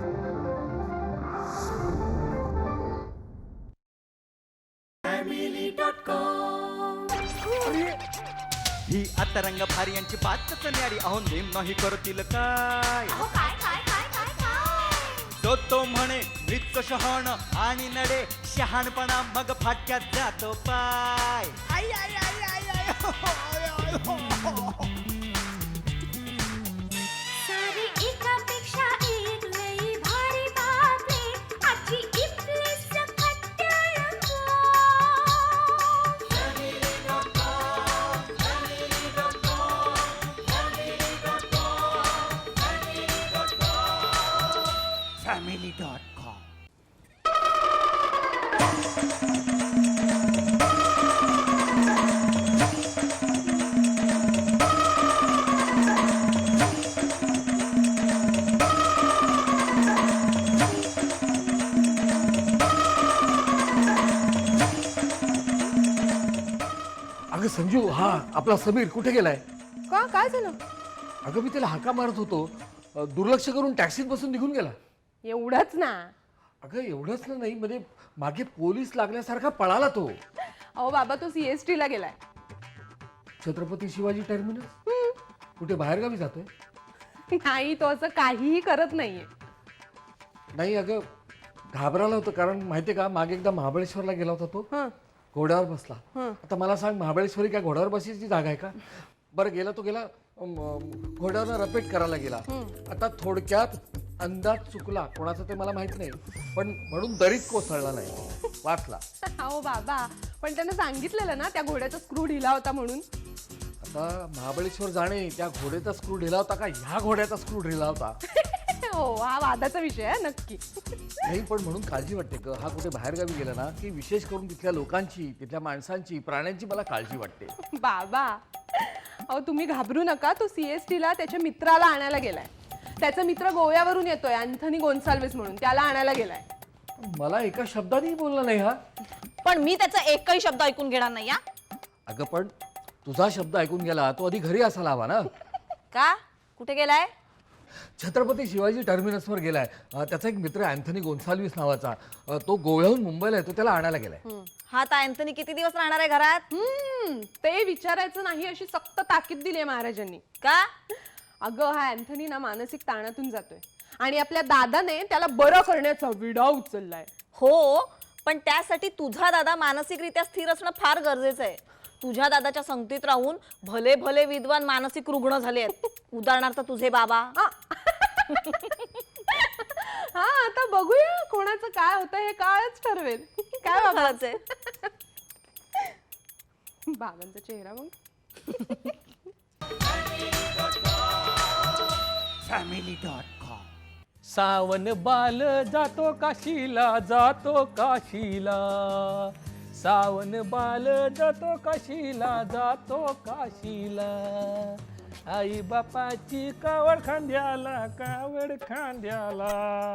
ही आता रंग भारी यांची बातच न्यारी. अहो नेम नाही करतील काय. तो म्हणे मृत्यू शहाण आणि नडे शहाणपणा मग फाटक्यात जातो पाय. आई आई आई आई आई हो, हो, आय, आय, हो, हो. सारी एकापेक्षा एक लई भारी बातमी आजची इथली सकट रंगो. family.com. अगं संजू, हा आपला समीर कुठे गेलाय? का काय झालं? अगं मी त्याला हाका मारत होतो, दुर्लक्ष करून टॅक्सीत बसून निघून गेला. एवढंच ना? अगं एवढंच ना, नाही म्हणजे मागे पोलीस लागल्यासारखा पळाला तो. अहो बाबा, तो CST ला गेलाय. छत्रपती शिवाजी टर्मिनस? कुठे बाहेरगावी जातोय? नाही, तो असं काहीही करत नाहीये. नाही अगं, घाबराला होतं, कारण माहितीये का, मागे एकदा महाबळेश्वरला गेला होता तो, हं. घोड्यावर बसला. हं. आता मला सांग, महाबळेश्वरी काय घोड्यावर बसायची जागा आहे का? बरं, गेला तो गेला, घोड्यावर रपेट करायला गेला. आता थोडक्यात अंदाज चुकला, कोणाचा ते मला माहित नाही, पण म्हणून दरीत कोसळला नाही, वाचला. अहो बाबा, पण त्यानं सांगितलेलं ना त्या घोड्याचा स्क्रू ढिला होता म्हणून. आता महाबळेश्वर जाणे, त्या घोड्याचा स्क्रू ढिला होता का ह्या घोड्याचा स्क्रू ढिला होता? हो, हा वादाचा विषय आहे नक्की. नाही, पण म्हणून काळजी वाटते ग, हा कुठे बाहेरगावी गेला ना की विशेष करून तिथल्या लोकांची, तिथल्या माणसांची, प्राण्यांची मला काळजी वाटते. बाबा, अहो तुम्ही घाबरू नका. तो CST ला त्याच्या मित्राला आणायला गेलाय. त्याचा मित्र गोव्यावरून येतोय, अँथनी गोन्साल्विस म्हणून, त्याला आणायला गेलाय. मला एका शब्दानेही बोलला नाही हा. पण मी त्याचा एकही शब्द ऐकून घेणार नाही. या अगं पण तुझा शब्द ऐकून गेला, तो आधी घरी असायला हवा ना. का? कुठे गेलाय? छत्रपती शिवाजी टर्मिनसवर गेलाय. त्याचा एक मित्र अँथनी गोन्साल्विस नावाचा, तो गोव्याहून मुंबईला येतो, त्याला आणायला गेलाय. हा आता अँथनी किती दिवस राहणार आहे घरात? ते विचारायचं नाही अशी सक्त ताकीद दिली आहे महाराजांनी. का? अगं, हा अँथनी ना मानसिक ताणातून जातोय आणि आपल्या दादाने त्याला बरं करण्याचा विडा उचललाय. हो, पण त्यासाठी तुझा दादा मानसिकरित्या स्थिर असणं फार गरजेचं आहे. तुझ्या दादाच्या संगतीत राहून भले भले विद्वान मानसिक रुग्ण झाले आहेत. उदाहरणार्थ तुझे बाबा. हा, आता बघूया कोणाचं काय होतं हे काळच ठरवेल. काय बाबाचे? बाबांचा चेहरा मग. family.com. सावन बाल जातो काशीला, जातो काशीला. सावन बाल जातो काशीला, जातो काशीला. आई बापाची कावड खांद्याला, कावड खांद्याला.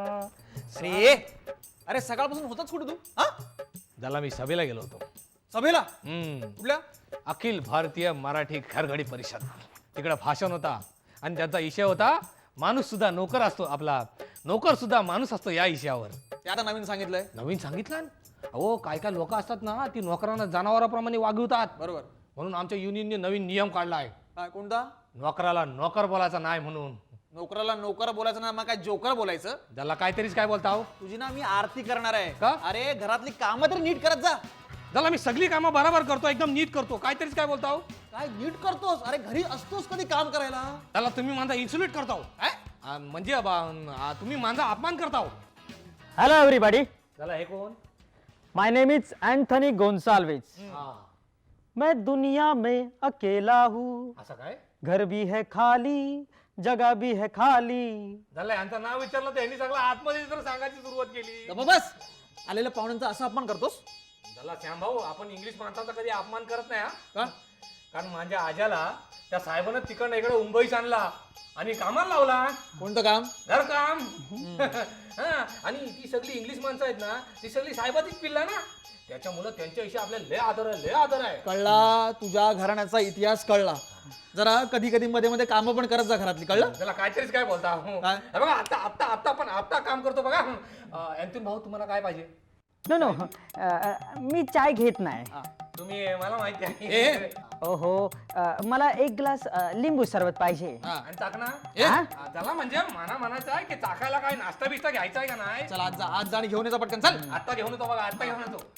अरे सकाळपासून होताच कुठे तू? हा, झाला मी सभेला गेलो होतो. सभेला? कुठल्या? अखिल भारतीय मराठी खरघडी परिषद. तिकडे भाषण होता आणि त्याचा विषय होता माणूस सुद्धा नोकर असतो, आपला नोकर सुद्धा माणूस असतो या विषयावर. ते आता नवीन सांगितलंय. नवीन सांगितलं? अहो, काय काय लोक असतात ना, ती नोकरांना जनावराप्रमाणे वागवतात. बरोबर. म्हणून आमच्या युनियनने नवीन नियम काढलाय. काय? कोणता? नोकराला नोकर बोलायचा नाही म्हणून. नोकराला नोकर बोलायचं ना, मग काय जोकर बोलायचं? त्याला काहीतरीच काय बोलता हो? तुझी ना मी आरती करणार आहे. का? अरे घरातली कामं तरी नीट करत जा. त्याला मी सगळी कामं बरोबर करतो, एकदम नीट करतो, काहीतरीच काय बोलता हो? काय नीट करतोस? अरे घरी असतोस कधी काम करायला? त्याला तुम्ही माझा इन्सुलेट करता हो. म्हणजे तुम्ही माझा अपमान करता हो. हेलो एवरीबॉडी, त्याला हे कोण? My name is Anthony Gonsalves. मैं दुनिया में अकेला हूँ, असं काय? घर भी है खाली, जगह भी है खाली. झालं, यांचं नाव विचारलं तर यांनी सगळं आतमध्ये तर सांगायची सुरुवात केली. गप्प बस. आलेल्या पाहुण्यांचा असा अपमान करतोस? झाला श्याम भाऊ, आपण इंग्लिश माणसाचा कधी अपमान करत नाही. का? कारण माझ्या आज्याला त्या साहेबानं तिकडनं इकडे मुंबईस आणला आणि कामाला लावला. कोणतं काम? घरकाम. आणि ती सगळी इंग्लिश माणसं आहेत ना, ती सगळी साहेबाचीच पिल्ला ना, त्याच्यामुळे त्यांच्याविषयी आपल्याला लय आदर आहे, लय आदर आहे. कळला, तुझ्या घराण्याचा इतिहास कळला. जरा कधी कधी मध्ये मध्ये कामं पण करत जा घरातली, कळलं? त्याला काहीतरीच काय बोलता काय? हे बघा आता आता आता पण आता काम करतो बघा. अँथोनी भाऊ तुम्हाला काय पाहिजे? नो नो मी चाय घेत नाही. तुम्ही मला माहिती ए. आहे. ओहो मला एक ग्लास लिंबू सरबत पाहिजे. आणि चाकणा हा? त्याला म्हणजे म्हणायचं आहे की चाकायला काय नाश्ता बिस्ता घ्यायचा आहे का नाही? चल आज जा आणि घेऊन येतो पटकन, चल. आता घेऊन येतो बघा, आता घेऊन येतो.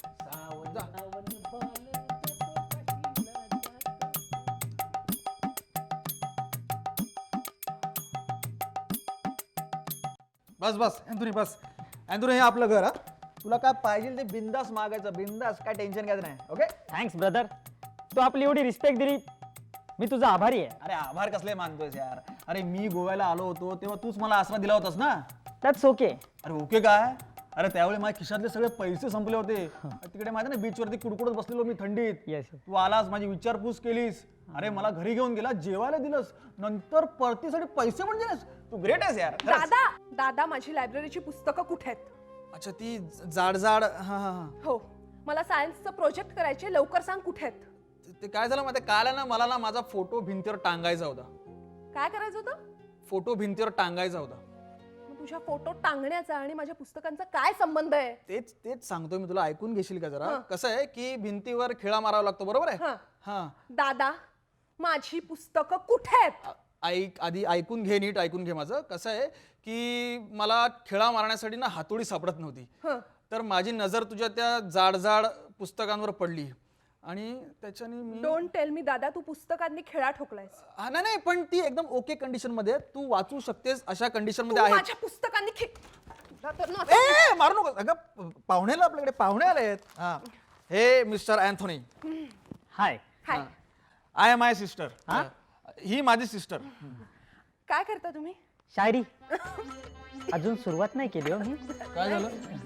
बस बस अँथोनी, बस अँथोनी, हे आपलं घर. हा, तुला काय पाहिजे ते बिंदास मागायचं, बिंदास, काय टेन्शन घ्यायचं नाही. ओके? थँक्स ब्रदर, तू आपली एवढी रिस्पेक्ट दिली, मी तुझा आभारी आहे. अरे आभार कसले मानतोयस यार? अरे मी गोव्याला आलो होतो तेव्हा तूच मला आसरा दिला होतास ना. That's okay. अरे ओके काय? अरे त्यावेळी माझ्या खिशातले सगळे पैसे संपले होते. तिकडे माहिती ना बीचवरती कुडकुडत बसलेलो मी थंडीत. Yes. तू आलास, माझी विचारपूस केलीस, अरे मला घरी घेऊन गेला, जेवायला दिलंस, नंतर परतीसाठी पैसे पण दिलेस. तू ग्रेट आहेस यार, खरंच. दादा दादा माझी लायब्ररीची पुस्तकं कुठे आहेत? अच्छा, ती जाड जाड, हा हा हा. हो, मला सायन्सचं प्रोजेक्ट करायचे, लवकर सांग कुठे आहेत? ते काय झालं माहिती, काल आहे ना मला ना माझा फोटो भिंतीवर टांगायचा होता. काय करायचं होतं? फोटो भिंतीवर टांगायचा होता. मग तुझ्या फोटो टांगण्याचा आणि माझ्या पुस्तकांचा काय संबंध आहे? तेच तेच सांगतोय मी तुला, ऐकून घेशील का जरा? कसं आहे की भिंतीवर खिळा मारावा लागतो, बरोबर आहे? हा. हा. दादा माझी पुस्तकं कुठे आहेत? ऐक, आधी ऐकून घे, नीट ऐकून घे माझं. कसं आहे की मला खिळा मारण्यासाठी ना हातोडी सापडत नव्हती. हं. तर माझी नजर तुझ्या त्या जाड जाड पुस्तकांवर पडली आणि त्याच्याने मी डोंट टेल मी दादा, तू पुस्तकांनी खेळा ठोकलायस. हा, नाही नाही, पण ती एकदम ओके कंडिशन मध्ये आहे. तू वाचू शकतेस अशा कंडिशन तू मध्ये आहे. माझ्या पुस्तकांनी तुला तर ना ए, मारू नको अगं, पाहुण्याला आपल्याकडे पाहुणे आले आहेत. हा, हे mister Anthony, hi. Hi. I am my sister. ही माझी सिस्टर. काय करता तुम्ही? शायरी अजून सुरुवात नाही केली हो मी. काय झालं?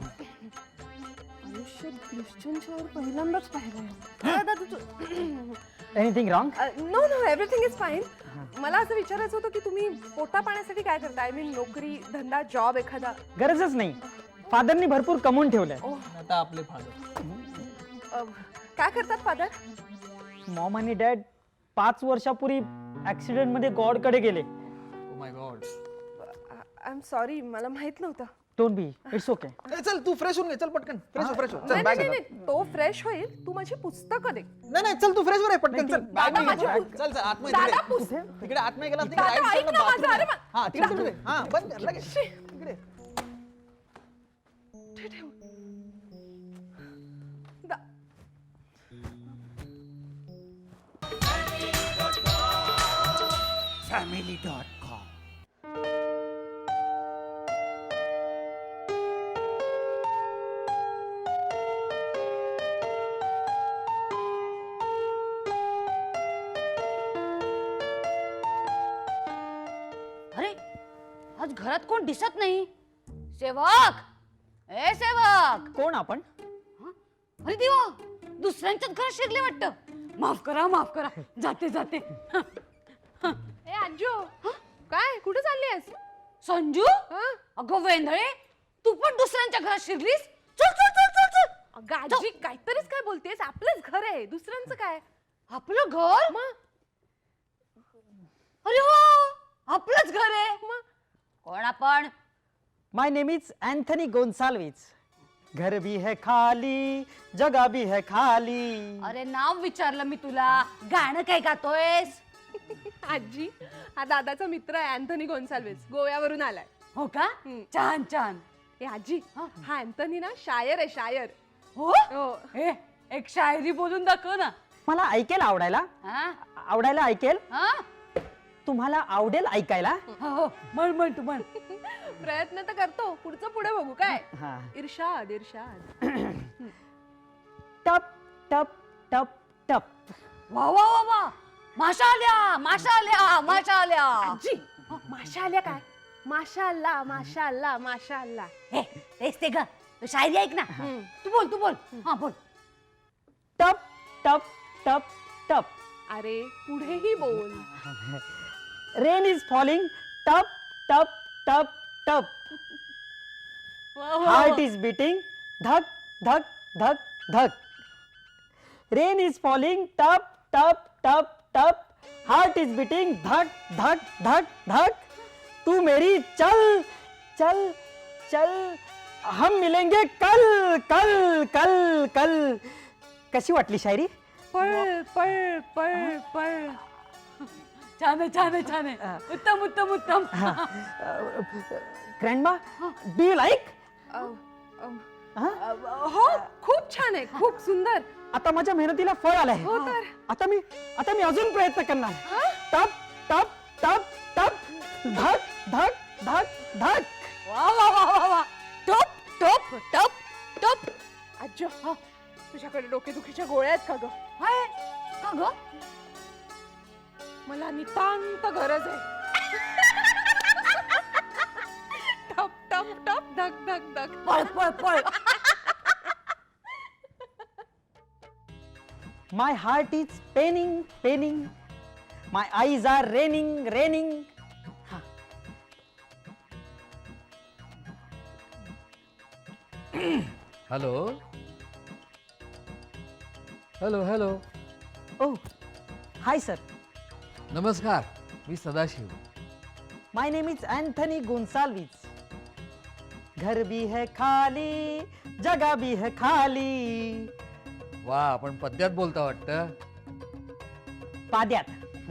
आयुष्यात क्रिश्चियनच्यावर पहिल्यांदाच पाहिलं. Anything wrong? No no, everything is fine. मला असं विचारायचं होतं की तुम्ही पोटा पाण्यासाठी काय करता? आय मीन नोकरी, धंदा, जॉब एखादा? गरजच नाही, फादरनी भरपूर कमवून ठेवलंय. आता आपले फादर. काय करतात फादर? मॉम आणि डॅड 5 वर्षापूर्वी ऍक्सिडेंट मध्ये गॉड कडे गेले. Oh my god. I am sorry, मला माहित नव्हतं. Don't be, it's okay. चल तू फ्रेश होऊन घे, चल पटकन फ्रेश हो, फ्रेश हो. चल नाही बॅग नाही नाही, तो फ्रेश होईल. तू माझी पुस्तकं दे. नाही नाही, चल तू फ्रेश हो रे, पटकन चल. दादा, बॅग माझी घे, पुस्तकं. चल चल आतमध्ये दादा, तिकडे. तिकडे आतमध्ये गेला तिकडे दादा, right side ऐक ला ना bathroom माझं, आहे. अरे हा, तिकडे हा बंद कर लगेच. तिकडे. दा- अरे आज घरात कोण दिसत नाही. सेवक, ए सेवक. कोण आपण? अरे देवा, दुसऱ्यांच्याच घरात शिरले वाटतं. माफ करा, माफ करा, जाते जाते. ए अंजू, काय कुठे चालली आहेस? संजू, हं? अगं वेंधळे, तू पण दुसऱ्यांच्या घरात शिरलीस? चल चल चल चल चल. अगं आजी, काहीतरीच काय बोलतेस? आपलंच घर आहे, दुसऱ्यांचं काय? आपलं घर? मग अरे हो, आपलंच घर आहे. मग कोण आपण? My name is Anthony Gonsalves. घर भी है खाली, जगह भी है खाली. अरे नाव विचारलं मी तुला, गाणं काय गातोयस? आजी, हा दादाचा मित्र आहे अँथनी गोन्साल्विस, गोव्यावरून आलाय. हो का? छान छान. ए आजी, हा अँथनी ना शायर आहे, शायर. हो, हो. ए, एक शायरी बोलून दाखव ना. मला ऐकेल आवडायला? हा? आवडायला ऐकेल? हा? तुम्हाला आवडेल ऐकायला? हो हो, म्हण म्हण तू म्हण. प्रयत्न तर करतो, पुढचं पुढे बघू काय. हा. इर्षाद इर्षाद. टप टप टप टप. वा वा वा वा, माशा आल्या, माशा आल्या, माशा आल्या. आजी, माशा आल्या काय? माशा अल्लाह, माशा अल्लाह, माशा अल्लाह. हे तेच ते ग, तू शायरी ऐक ना. तू बोल, तू बोल. हा बोल. टप टप टप टप. अरे पुढेही बोल. Rain is falling. टप टप टप टप. Heart is beating. धक धक धक धक. Rain is falling. टप टप टप टप हार्ट इज बीटिंग धक धक धक धक. तू मेरी चल चल चल, हम मिलेंगे कल कल कल कल. कशी वाटली शायरी? पळ पळ पळ पळ. छान आहे छान आहे छान आहे. उत्तम उत्तम उत्तम. Grandma, do you like? हो खूप छान आहे, खूप सुंदर. आता माझ्या मेहनतीला फळ आलंय. हो तर. आता मी अजून प्रयत्न करणार. टप टप टप टप, धक धक धक धक. वा वा वा वा वा. टप टप टप टप. आज्जो, हा तुझ्याकडे डोकेदुखीच्या गोळ्या आहेत का ग? हाय का ग? मला नितांत गरज आहे. टप टप टप धक धक धक. पळ पळ पळ. My heart is paining, paining. My eyes are raining, raining. Hello hello hello. Oh, hi sir. नमस्कार, मी Sadashiv. My name is Anthony Gonsalves. घर भी है खाली, जगह भी है खाली. वा, आपण पद्यात बोलता वाटतं. पाद्यात.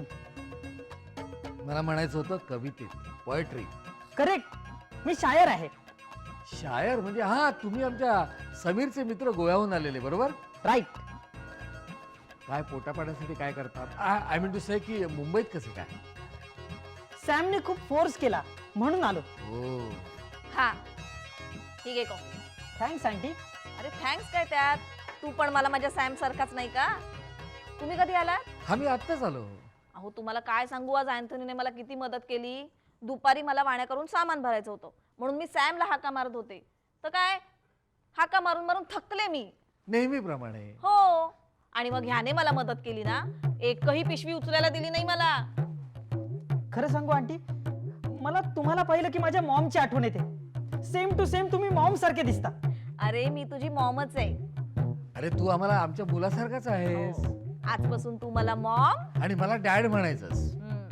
मला म्हणायचं होतं कवितेत, पोएट्री. करेक्ट, मी शायर आहे. शायर म्हणजे हा, तुम्ही आमच्या समीरचे मित्र गोव्याहून आलेले बरोबर? राईट. काय पोटा पाण्यासाठी काय करतात? आय मीन टू से की मुंबईत कसे काय? सॅमने खूप फोर्स केला म्हणून आलो. हो. हा ठीक आहे को. Thanks aunty. अरे थँक्स काय त्यात, तू पण मला माझ्या सॅम सारखाच नाही का? तुम्ही कधी आलात? हा, मी आत्ताच आलो. अहो तुम्हाला काय सांगू, आज अँथनीने मला किती मदत केली. दुपारी मला वाण्या करून सामान भरायचं होतं म्हणून मी सॅमला हाका मारत होते, तर काय हाका मारून मारून थकले मी. नेहमीप्रमाणे. हो, आणि मग ह्याने मला मदत केली ना, एकही पिशवी उचलायला दिली नाही मला. खरं सांगू आंटी, मला तुम्हाला पाहिलं की माझ्या मॉमची आठवण येते. सेम टू सेम तुम्ही मॉम सारखे दिसता. अरे मी तुझी मॉमच आहे. अरे तू आम्हाला आमच्या मुलासारखाच आहेस. आजपासून तू मला मॉम आणि मला डॅड म्हणायचंस.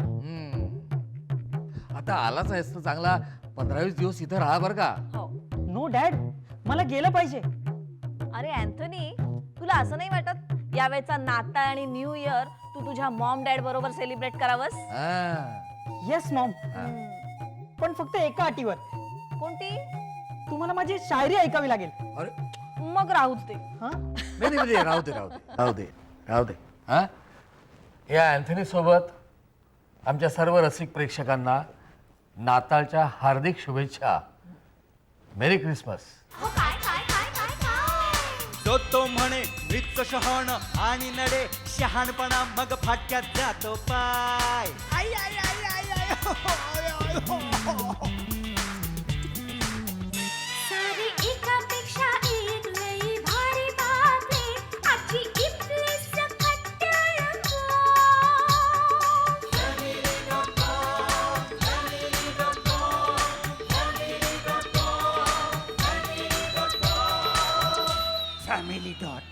आता आलाच आहेस तर चांगला 15-20 दिवस इथं राहा बरं का. हो. नो डॅड, मला गेलं पाहिजे. अरे अँथनी, तुला असं नाही वाटत यावेळेचा नाताळ आणि न्यू इयर तू तुझ्या मॉम डॅड बरोबर सेलिब्रेट करावंस? येस मॉम, पण फक्त एका अटीवर. कोणती? तुम्हाला माझी शायरी ऐकावी लागेल. अरे मग राहूच ते. नाही म्हणजे राहू दे राहू दे राहू दे राहू दे. हा, या अँथनी सोबत आमच्या सर्व रसिक प्रेक्षकांना नाताळच्या हार्दिक शुभेच्छा. Merry Christmas. तो म्हणे मृत शहाण आणि नडे शहाणपणा मग फाटक्यात जातो पाय. आई आई आई आई आई हो, आय, आय, हो, हो. सारी एकापेक्षा एक लई भारी बातमी आजची इथली सकट रंगो. Family.com